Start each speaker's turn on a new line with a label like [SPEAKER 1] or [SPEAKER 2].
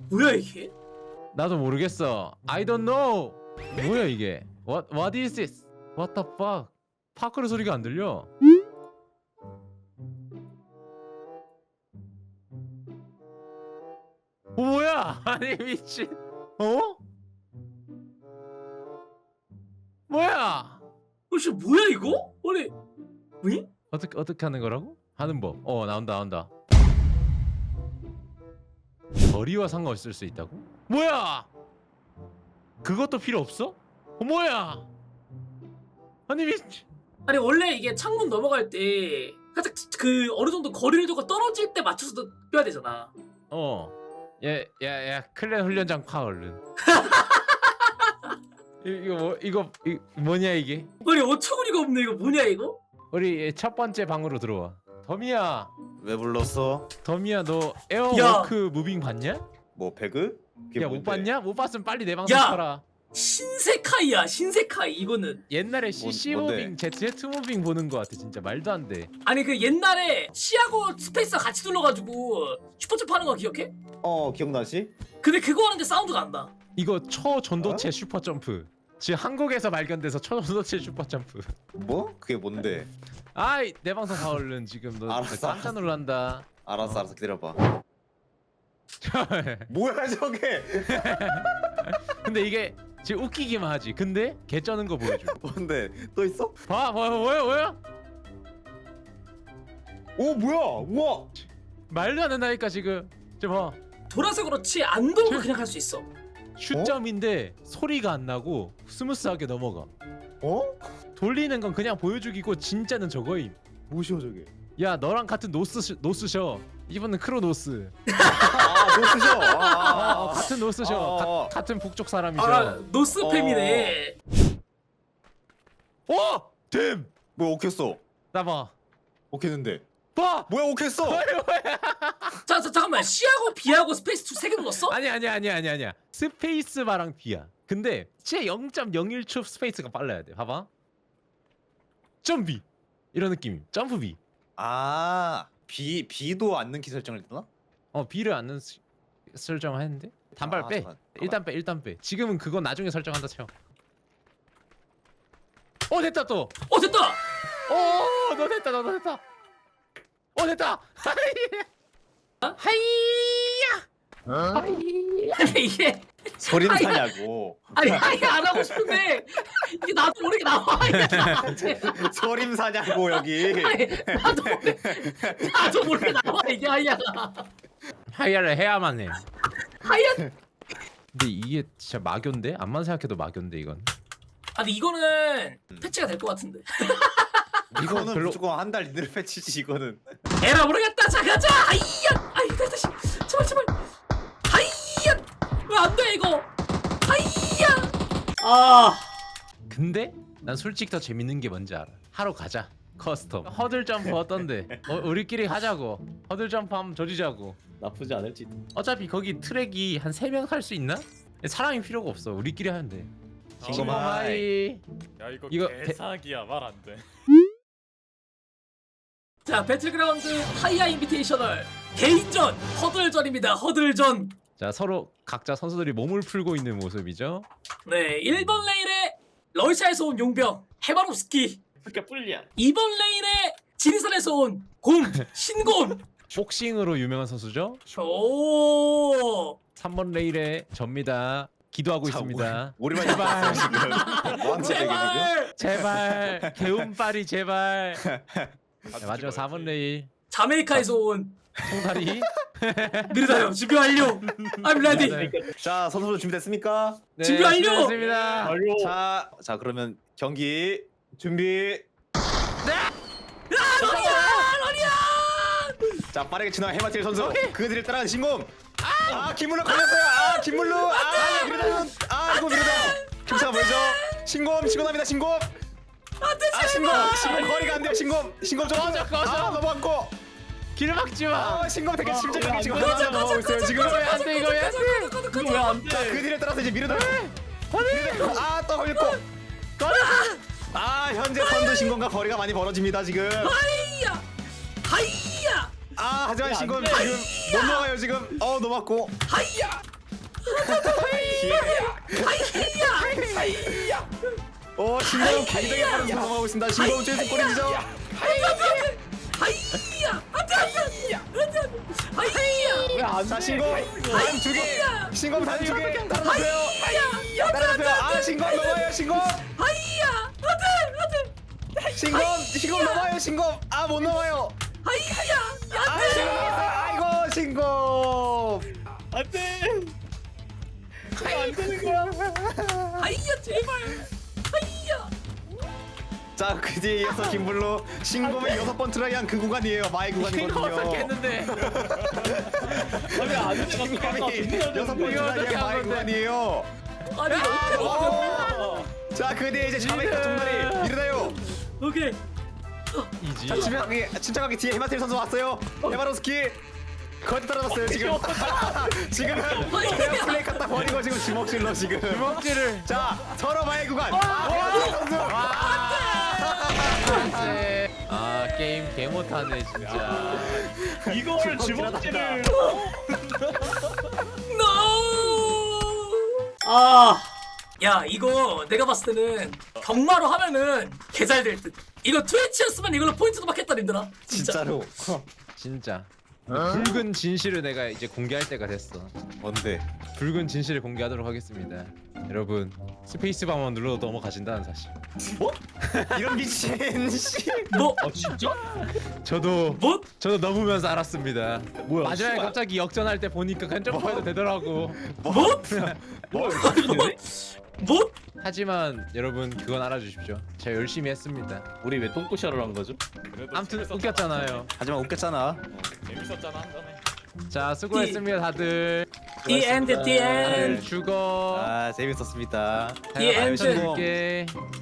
[SPEAKER 1] 뭐야 이게?
[SPEAKER 2] 나도 모르겠어. I don't know. 뭐야 이게? What is this? What the fuck? 파크르 소리가 안 들려. 뭐야? 아니 미친. 어? 뭐야?
[SPEAKER 1] 혹시 뭐야 이거? 아니 왜?
[SPEAKER 2] 어떻게 하는 거라고? 하는 법. 나온다. 거리와 상관없을 수 있다고? 뭐야? 그것도 필요 없어? 뭐야? 아니 미친.
[SPEAKER 1] 아니 원래 이게 창문 넘어갈 때 살짝 그 어느 정도 거리를 두고 떨어질 때 맞춰서 뛰어야 되잖아.
[SPEAKER 2] 야, 클랜 훈련장 파 얼른. 이거 뭐냐 이게?
[SPEAKER 1] 아니 어처구니가 없네 이거 뭐냐 이거?
[SPEAKER 2] 우리 첫 번째 방으로 들어와. 더미야,
[SPEAKER 3] 왜 불렀어?
[SPEAKER 2] 너 에어워크 무빙 봤냐?
[SPEAKER 3] 뭐 배그? 그게
[SPEAKER 2] 야 못
[SPEAKER 3] 뭔데?
[SPEAKER 2] 봤냐? 못 봤으면 빨리 내 방송
[SPEAKER 1] 야!
[SPEAKER 2] 쳐라.
[SPEAKER 1] 신세카이야 신세카이 이거는.
[SPEAKER 2] 옛날에 CC
[SPEAKER 3] 뭔데?
[SPEAKER 2] 무빙, Z 무빙 보는 거 같아. 진짜 말도 안 돼.
[SPEAKER 1] 아니 그 옛날에 C하고 스페이스 같이 눌러가지고 슈퍼점프 하는 거 기억해?
[SPEAKER 3] 기억나지?
[SPEAKER 1] 근데 그거 하는데 사운드가 안 나.
[SPEAKER 2] 이거 초전도체 슈퍼 점프. 지금 한국에서 발견돼서 초전도체 슈퍼 점프.
[SPEAKER 3] 뭐? 그게 뭔데?
[SPEAKER 2] 아이 내 방송 봐 얼른. 지금 너
[SPEAKER 3] 알았어,
[SPEAKER 2] 깜짝 놀란다.
[SPEAKER 3] 알았어 기다려봐. 뭐야 저게?
[SPEAKER 2] 근데 이게 지금 웃기기만 하지. 근데 개 쩌는 거 보여줘.
[SPEAKER 3] 뭔데? 또 있어?
[SPEAKER 2] 봐, 뭐야?
[SPEAKER 3] 오 뭐야? 우와!
[SPEAKER 2] 말도 안 된다니까 지금. 저 봐.
[SPEAKER 1] 돌아서 그렇지 안 돌고 그냥 할 수 있어.
[SPEAKER 2] 슛점인데 소리가 안 나고 스무스하게 넘어가.
[SPEAKER 3] 어?
[SPEAKER 2] 돌리는 건 그냥 보여주기고 진짜는 저거임.
[SPEAKER 3] 뭐시오 저게?
[SPEAKER 2] 야 너랑 같은 노스셔. 이분은 크로노스.
[SPEAKER 3] 노스죠?
[SPEAKER 2] 같은 노스셔. 같은 북쪽 사람이셔.
[SPEAKER 1] 아 노스팸이네.
[SPEAKER 2] 댐!
[SPEAKER 3] 뭐야 오켰어?
[SPEAKER 2] 나 봐.
[SPEAKER 3] 오켰는데
[SPEAKER 2] 봐!
[SPEAKER 3] 뭐야 오켰어?
[SPEAKER 1] 자 잠깐만 C하고 B하고 스페이스 2 3개 눌렀어?
[SPEAKER 2] 아니야. 스페이스 바랑 B야. 근데 진짜 0.01초 스페이스가 빨라야 돼. 봐봐. 점비. 이런 느낌. 점프 B.
[SPEAKER 3] B도 안 넣기 설정을 했나?
[SPEAKER 2] B를 안 넣는 설정을 했는데 단발 빼.
[SPEAKER 3] 잠깐만.
[SPEAKER 2] 일단 빼. 지금은 그거 나중에 설정한다 쳐. 됐다 또.
[SPEAKER 1] 됐다.
[SPEAKER 2] 너 됐다. 됐다. 하이야.
[SPEAKER 1] 아니 이게
[SPEAKER 3] 소리는
[SPEAKER 1] 아니,
[SPEAKER 3] 사냐고.
[SPEAKER 1] 아니 안 하고 싶은데 이게 나도 모르게 나와. 이게
[SPEAKER 3] 소림 사냐고 여기.
[SPEAKER 1] 나도 모르게 나와 이게 하이야가.
[SPEAKER 2] 하이야를 해야만 해.
[SPEAKER 1] 하이야.
[SPEAKER 2] 근데 이게 진짜 마교인데? 암만 생각해도 마교인데 이건.
[SPEAKER 1] 아니 이거는 패치가 될 것 같은데.
[SPEAKER 3] 이거는
[SPEAKER 2] 별로-
[SPEAKER 3] 무조건 한 달 이내로 패치지 이거는.
[SPEAKER 1] 에라 모르겠다. 자 가자. 하이야. 아이 다시 제발. 하이야. 왜 안 돼 이거? 하이야.
[SPEAKER 2] 근데 난 솔직히 더 재밌는 게 뭔지 알아. 하러 가자. 커스텀. 허들 점프 어떤데? 우리끼리 하자고. 허들 점프 한번 조지자고.
[SPEAKER 3] 나쁘지 않을지.
[SPEAKER 2] 어차피 거기 트랙이 한 3명 탈 수 있나? 사람이 필요가 없어. 우리끼리 하면 돼.
[SPEAKER 3] 징검 하이.
[SPEAKER 4] 야 이거
[SPEAKER 2] 이거
[SPEAKER 4] 개사기야 말 안 돼.
[SPEAKER 1] 자 배틀그라운드 하이야 인비테이셔널 개인전 허들전입니다. 허들전.
[SPEAKER 2] 자 서로 각자 선수들이 몸을 풀고 있는 모습이죠.
[SPEAKER 1] 네 1번 레인에 러시아에서 온 용병 헤바롭스키.
[SPEAKER 4] 그러니까 뿔리야.
[SPEAKER 1] 2번 레인에 지리산에서 온 곰 신곰.
[SPEAKER 2] 복싱으로 유명한 선수죠.
[SPEAKER 1] 오.
[SPEAKER 2] 3번 레일에 접니다. 기도하고 있습니다.
[SPEAKER 3] 우리만
[SPEAKER 2] 제발.
[SPEAKER 3] 지금 뭐하는 짓이야
[SPEAKER 1] 제발.
[SPEAKER 2] 제발 개운빨이 제발. 네, 마지막 4번 레일
[SPEAKER 1] 자메이카에서 온
[SPEAKER 2] 통다리.
[SPEAKER 1] 느리다요. 준비 완료. I'm ready.
[SPEAKER 2] 네.
[SPEAKER 3] 자 선수들 준비됐습니까?
[SPEAKER 2] 네,
[SPEAKER 1] 준비 완료!
[SPEAKER 2] 준비됐습니다.
[SPEAKER 3] 자 그러면 경기 준비.
[SPEAKER 1] 러리야.
[SPEAKER 3] 자 빠르게 지나간 해마틸 선수. 그들을 따라가는 신공. 김물로 걸렸어요. 김물로. 미르다는. 이거 미르다. 김차가 보이죠? 신공합니다. 신공.
[SPEAKER 1] 안돼
[SPEAKER 3] 신공
[SPEAKER 1] 제발.
[SPEAKER 3] 거리가 안 돼요. 신공 좀
[SPEAKER 2] 꺼져.
[SPEAKER 3] 넘어갔고.
[SPEAKER 2] 길 막지 마.
[SPEAKER 3] 신공 되게 침착하게 지금
[SPEAKER 1] 꺼져,
[SPEAKER 3] 하나 넘어가고 있어요. 지금
[SPEAKER 2] 왜 안 돼? 이거 왜 안 돼?
[SPEAKER 4] 이거 왜 안 돼?
[SPEAKER 3] 자, 그 뒤를 따라서 이제 미르다. 또 걸렸고. 현재 선두 신공과 거리가 많이 벌어집니다 지금.
[SPEAKER 1] 하이야. 하이야.
[SPEAKER 3] 하지만 신공
[SPEAKER 4] 돼.
[SPEAKER 3] 지금 못 넘어가요 지금. 넘어갔고.
[SPEAKER 1] 하이야.
[SPEAKER 3] 신공 굉장히 빠른 속도 넘어가고 있습니다. 신공 최신 꼬리지죠.
[SPEAKER 1] 하이야 안돼 하이야
[SPEAKER 3] 자 신공 단 2개. 신공 단 2개. 따라잡혀요. 따라잡혀요. 아 신공 넘어요. 신공.
[SPEAKER 1] 하이야 안돼
[SPEAKER 3] 신공 넘어요. 신공. 아 못 넘어요.
[SPEAKER 1] 하이야
[SPEAKER 3] 아 신공 넘었어요. 아이고 신공.
[SPEAKER 4] 안돼. 안 되는 거야.
[SPEAKER 1] 하이야 제발 하이야
[SPEAKER 3] 자 그 뒤에 이어서 김블루 신검의 6번 트라이한 그 구간이에요. 마의
[SPEAKER 2] 이거
[SPEAKER 3] 구간이거든요.
[SPEAKER 2] 어떻게 했는데?
[SPEAKER 4] 아니 안 돼.
[SPEAKER 3] 신검이 6번
[SPEAKER 2] 이거 어떻게
[SPEAKER 3] 트라이한 마의
[SPEAKER 2] 한 건데?
[SPEAKER 3] 구간이에요.
[SPEAKER 1] 아니 너무
[SPEAKER 3] 자그 뒤에 이제 자메이카 종다리 일어나요.
[SPEAKER 1] 오케이
[SPEAKER 2] 이지.
[SPEAKER 3] 자 침착하게 뒤에 헤마테일 선수 왔어요. 헤마로스키 거의 떨어졌어요 지금. 지금 그냥 플레이 갖다 버리고 지금 주먹질로 지금.
[SPEAKER 2] 주먹질을.
[SPEAKER 3] 자 서로 마의 구간. 헤마테일 선수.
[SPEAKER 2] 아 게임 개 못하네 진짜.
[SPEAKER 4] 이걸 주먹질을.
[SPEAKER 1] 야 이거 내가 봤을 때는 경마로 하면은 개잘 될 듯. 이거 트위치였으면 이걸로 포인트도 받겠다 님들아. 진짜.
[SPEAKER 3] 진짜로.
[SPEAKER 2] 진짜. 붉은 진실을 내가 이제 공개할 때가 됐어.
[SPEAKER 3] 뭔데?
[SPEAKER 2] 붉은 진실을 공개하도록 하겠습니다. 여러분 스페이스바만 눌러도 넘어가신다는 사실.
[SPEAKER 3] 이런 미친 씨.
[SPEAKER 1] 뭐?
[SPEAKER 4] 진짜?
[SPEAKER 2] 저도
[SPEAKER 1] 뭐?
[SPEAKER 2] 넘으면서 알았습니다.
[SPEAKER 4] 뭐야?
[SPEAKER 2] 마지막에
[SPEAKER 4] 씨발.
[SPEAKER 2] 갑자기 역전할 때 보니까 그냥 점프해도 되더라고.
[SPEAKER 1] 뭐?
[SPEAKER 4] 뭐?
[SPEAKER 1] 뭐?
[SPEAKER 2] 하지만 여러분 그건 알아주십시오. 제가 열심히 했습니다.
[SPEAKER 4] 우리 왜 똥꼬샤를 한 거죠?
[SPEAKER 2] 아무튼 웃겼잖아요.
[SPEAKER 3] 하지만 웃겼잖아.
[SPEAKER 4] 재밌었잖아 한 잔에.
[SPEAKER 2] 자 수고했습니다 다들.
[SPEAKER 1] The end, the
[SPEAKER 2] 다들
[SPEAKER 1] end.
[SPEAKER 2] 죽어.
[SPEAKER 3] 아 재밌었습니다.
[SPEAKER 1] 예, 엔드.
[SPEAKER 2] 줄게.